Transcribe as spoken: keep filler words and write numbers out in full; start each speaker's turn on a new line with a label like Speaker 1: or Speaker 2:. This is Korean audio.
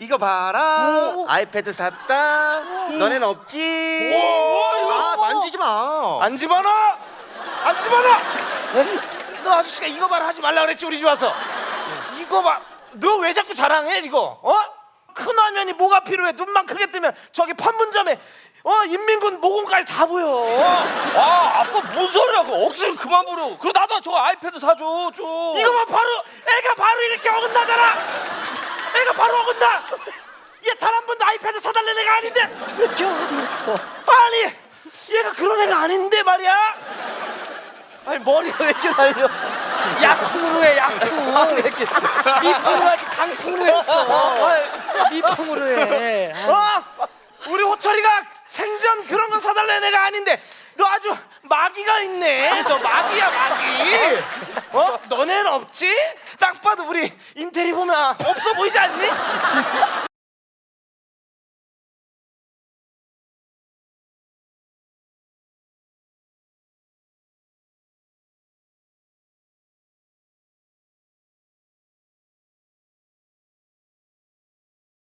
Speaker 1: 이거 봐라.
Speaker 2: 오.
Speaker 1: 아이패드 샀다. 너넨 없지.
Speaker 2: 오.
Speaker 1: 아 만지지 마.
Speaker 2: 안 집어넣어! 안 집어넣어! 너 아저씨가 이거 봐라 하지 말라 그랬지 우리 집 와서. 이거 봐. 너 왜 자꾸 자랑해 이거? 어? 큰 화면이 뭐가 필요해? 눈만 크게 뜨면 저기 판문점에 어 인민군 모공까지 다 보여.
Speaker 3: 아 아빠 뭔 소리야? 그 억지로 그만 부려. 그럼 나도 저 아이패드 사줘 좀.
Speaker 2: 이거만 바로 애가 바로 이렇게 어긋나잖아. 애가 바로 어긋나. 얘 단 한 번도 아이패드 사달라는 애가 아닌데.
Speaker 4: 왜 이렇게 어딨어?
Speaker 2: 아니 얘가 그런 애가 아닌데 말이야. 아니 머리가 왜 이렇게 날려?
Speaker 4: 약풍으로 해 약풍. 미풍으로 하지 강풍으로 했어. 미풍으로 해.
Speaker 2: 어? 우리 호철이가 생전 그런 거 사달라는 애가 아닌데 너 아주 마귀가 있네. 저 마귀야 마귀. 어? 너네는 없지? 딱 봐도 우리 인테리 보면 없어 보이지 않니?